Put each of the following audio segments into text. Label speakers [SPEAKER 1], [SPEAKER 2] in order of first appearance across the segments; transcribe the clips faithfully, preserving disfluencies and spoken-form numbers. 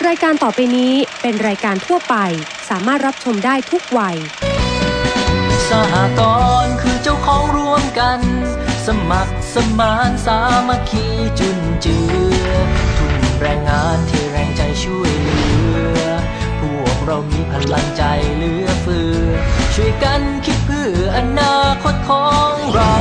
[SPEAKER 1] ายการต่อไปนี้เป็นรายการทั่วไปสามารถรับชมได้ทุกวัย
[SPEAKER 2] สหกรณ์คือเจ้าของร่วมกันสมัครสมานสามัคคีจุนเจือทุ่มแรงงานที่แรงใจช่วยเหลือพวกเรามีพลังใจเหลือเฟือช่วยกันคิดเพื่ออนาคตของเรา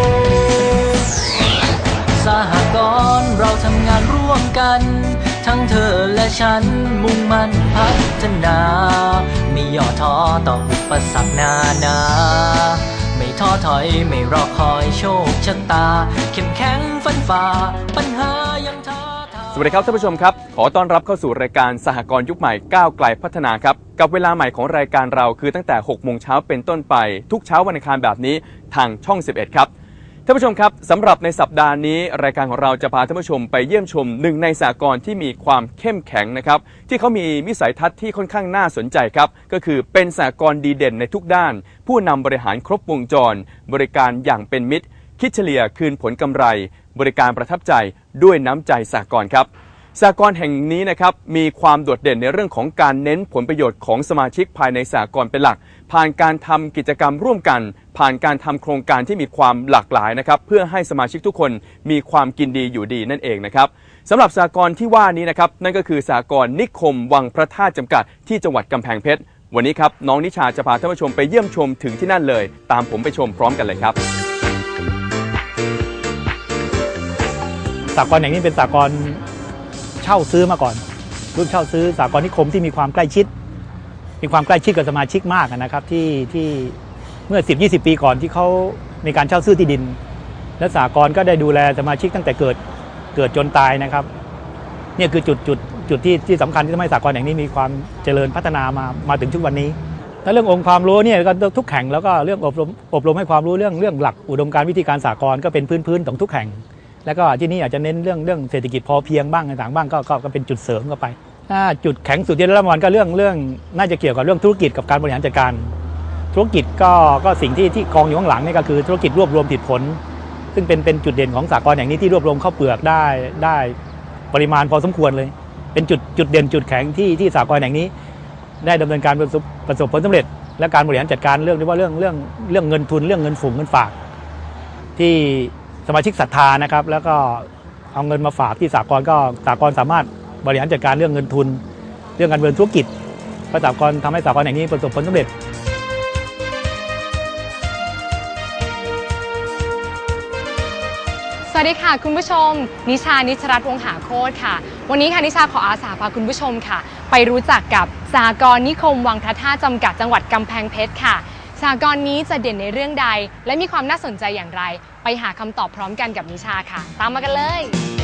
[SPEAKER 2] สหกรณ์เราทำงานร่วมกันทั้งเธอและฉันมุ่งมั่นพัฒนาไม่ย่อท้อต่ออุปสรรคนานาไม่ท้อถอยไม่รอคอยโชคชะตาเข้มแข็งฟันฝ่าปัญหายังท้าทาย
[SPEAKER 3] สวัสดีครับท่านผู้ชมครับขอต้อนรับเข้าสู่รายการสหกรณ์ยุคใหม่ก้าวไกลพัฒนาครับกับเวลาใหม่ของรายการเราคือตั้งแต่หกโมงเช้าเป็นต้นไปทุกเช้าวันอังคารแบบนี้ทางช่องสิบเอ็ดครับท่านผู้ชมครับสำหรับในสัปดาห์นี้รายการของเราจะพาท่านผู้ชมไปเยี่ยมชมหนึ่งในสหกรณ์ที่มีความเข้มแข็งนะครับที่เขามีวิสัยทัศน์ที่ค่อนข้างน่าสนใจครับก็คือเป็นสหกรณ์ดีเด่นในทุกด้านผู้นำบริหารครบวงจรบริการอย่างเป็นมิตรคิดเฉลี่ยคืนผลกำไรบริการประทับใจด้วยน้ำใจสหกรณ์ครับสหกรณ์แห่งนี้นะครับมีความโดดเด่นในเรื่องของการเน้นผลประโยชน์ของสมาชิกภายในสหกรณ์เป็นหลักผ่านการทำกิจกรรมร่วมกันผ่านการทำโครงการที่มีความหลากหลายนะครับเพื่อให้สมาชิกทุกคนมีความกินดีอยู่ดีนั่นเองนะครับสำหรับสหกรณ์ที่ว่านี้นะครับนั่นก็คือสหกรณ์นิคมวังพระธาตุจำกัดที่จังหวัดกำแพงเพชรวันนี้ครับน้องนิชาจะพาท่านผู้ชมไปเยี่ยมชมถึงที่นั่นเลยตามผมไปชมพร้อมกันเลยครับ
[SPEAKER 4] สหกรณ์แห่งนี้เป็นสหกรณ์เช่าซื้อมาก่อนรุ่นเช่าซื้อสหกรณ์นิคมที่มีความใกล้ชิดมีความใกล้ชิดกับสมาชิกมากนะครับที่ที่เมื่อ สิบ ยี่สิบ ปีก่อนที่เขาในการเช่าซื้อที่ดินและสหกรณ์ก็ได้ดูแลสมาชิกตั้งแต่เกิดเกิดจนตายนะครับนี่คือจุดจุดจุดที่ที่สำคัญที่ทำให้สหกรณ์แห่งนี้มีความเจริญพัฒนามามาถึงทุกวันนี้และเรื่ององค์ความรู้เนี่ยก็ทุกแห่งแล้วก็เรื่องอบรมอบรมให้ความรู้เรื่องเรื่องหลักอุดมการณ์วิธีการสหกรณ์ก็เป็นพื้นพื้นของทุกแห่งแล้วก็ที่นี่อาจจะเน้นเรื่องเรื่องเศรษฐกิจพอเพียงบ้างต่างๆบ้างก็ก็เป็นจุดเสริมเข้าไปถ้าจุดแข็งสุดที่ได้รับรางวัลก็เรื่องเรื่องน่าจะเกี่ยวกับเรื่องธุรกิจกับการบริหารจัดการธุรกิจก็ก็สิ่งที่ที่กองอยู่ข้างหลังนี่ก็คือธุรกิจรวบรวมผลิตผลซึ่งเป็นเป็นจุดเด่นของสหกรณ์อย่างนี้ที่รวบรวมข้าวเปลือกได้ได้ปริมาณพอสมควรเลยเป็นจุดจุดเด่นจุดแข็งที่ที่สหกรณ์แห่งนี้ได้ดำเนินการประสบประสบผลสำเร็จและการบริหารจัดการเรื่องที่ว่าเรื่องเรื่องเรื่องเงินทุนเรื่องเงินฝงเงินฝากที่สมาชิกศรัทธานะครับแล้วก็เอาเงินมาฝากที่สหกรณ์ก็สหกรณ์สามารถบริหารจัดการเรื่องเงินทุนเรื่องการดำเนินธุรกิจสหกรณ์ทำให้สหกรณ์แห่งนี้ประสบผลสำเร็จ
[SPEAKER 5] สวัสดีค่ะคุณผู้ชมนิชานิชรัตน์วงศ์หาโคตรค่ะวันนี้ค่ะนิชาขออาสาพาคุณผู้ชมค่ะไปรู้จักกับสหกรณ์นิคมวังพระธาตุจำกัดจังหวัดกำแพงเพชรค่ะสหกรณ์นี้จะเด่นในเรื่องใดและมีความน่าสนใจอย่างไรไปหาคำตอบพร้อมกันกับนิชาค่ะตามมากันเลย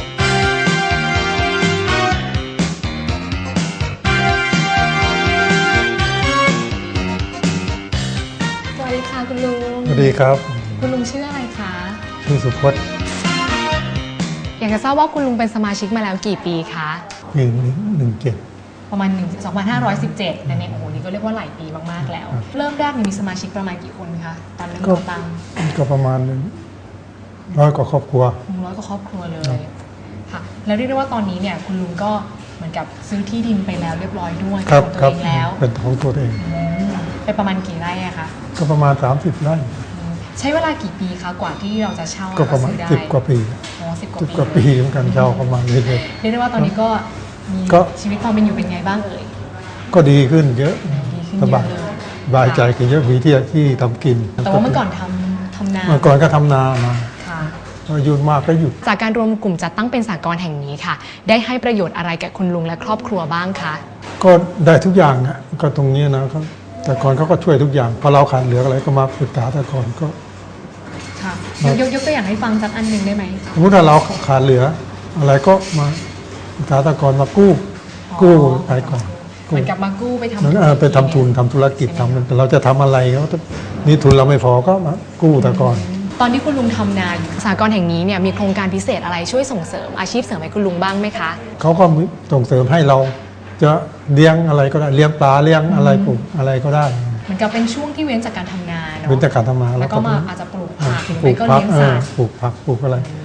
[SPEAKER 5] สวัสดีค่ะคุณลุง
[SPEAKER 6] สวัสดีครับ
[SPEAKER 5] คุณลุงชื่ออะไรคะ
[SPEAKER 6] ชื่อสุพจน์
[SPEAKER 5] อยากจะทราบว่าคุณลุงเป็นสมาชิกมาแล้วกี่ปีคะ
[SPEAKER 6] หนึ่งหนึ่งเจ็ด
[SPEAKER 5] ประมาณสองพันห้าร้อยสิบเจ็ดแต่ในโอ้โหนี่ก็เรียกว่าหลายปีมากๆแล้วเริ่มแรกมีสมาชิกประมาณกี่คนคะตอนเริ่มตั้ง
[SPEAKER 6] ก็ประมาณร้อยกว่าครอบครัว
[SPEAKER 5] ร้อยกว่าครอบครัวเลยค่ะแล้วเรียกได้ว่าตอนนี้เนี่ยคุณลุงก็เหมือนกับซื้อที่ดินไปแล้วเรียบร้อยด้วย
[SPEAKER 6] ของตัวเองแล้วเป็นของตัวเอง
[SPEAKER 5] ไปประมาณกี่ไร่อะคะ
[SPEAKER 6] ก็ประมาณสามสิบไร่
[SPEAKER 5] ใช้เวลากี่ปีคะกว่าที่เราจะเช่า
[SPEAKER 6] ก็ประมาณสิบกว่าปี
[SPEAKER 5] อ๋อสิบก
[SPEAKER 6] ว่าปีเหมือนกันเช่าประมาณนี้เลย
[SPEAKER 5] เรียกได้ว่าตอนนี้ก็มีชีวิตความเป็นอยู่เป็นไงบ้างเอ่ย
[SPEAKER 6] ก็ดีขึ้นเยอะสบายสบายใจขึ้นเยอะมีที่ที่ทำกิน
[SPEAKER 5] แต่ว่าเมื่อก่อนทำทำนา
[SPEAKER 6] เมื่อก่อนก็ทำนามาหยุดมากก็หยุด
[SPEAKER 5] จากการรวมกลุ่มจัดตั้งเป็นสหกรณ์แห่งนี้ค่ะได้ให้ประโยชน์อะไรกับคุณลุงและครอบครัวบ้างคะ
[SPEAKER 6] ก็ได้ทุกอย่างอ่ะก็ตรงนี้นะแต่ก่อนเขาก็ช่วยทุกอย่างพอเราขาดเหลืออะไรก็มาปรึกษาแต่ก่อนก็
[SPEAKER 5] ค่ะยกยกตัวอย่างให้ฟังสักอันหนึ่งได้ไหม
[SPEAKER 6] สมมติถ้าเราขาดเหลืออะไรก็มาปรึกษาแต่ก่อนมากู้กู้ไปก่อน
[SPEAKER 5] เหมือนกับมากู้ไปท
[SPEAKER 6] ำไปทำทุนทำธุรกิจทำเราจะทำอะไรก็นี่ทุนเราไม่พอก็มากู้แต่ก่อน
[SPEAKER 5] ตอนที่คุณลุงทำนาอยู่สหกรณ์แห่งนี้เนี่ยมีโครงการพิเศษอะไรช่วยส่งเสริมอาชีพเสริมให้คุณลุงบ้างไหมคะ
[SPEAKER 6] เขาก็ส่งเสริมให้เราจะเลี้ยงอะไรก็ได้เลี้ยงปลาเลี้ยงอะไรปลูกอะไรก็ได้
[SPEAKER 5] เหมือนกับเป็นช่วงที่เว้นจากการทำนาเนาะ
[SPEAKER 6] เว้นจากการทำนา
[SPEAKER 5] แล้วก็มาอาจจะปลูกผัก
[SPEAKER 6] ปลูกผักปลูกผักปลูกอะไร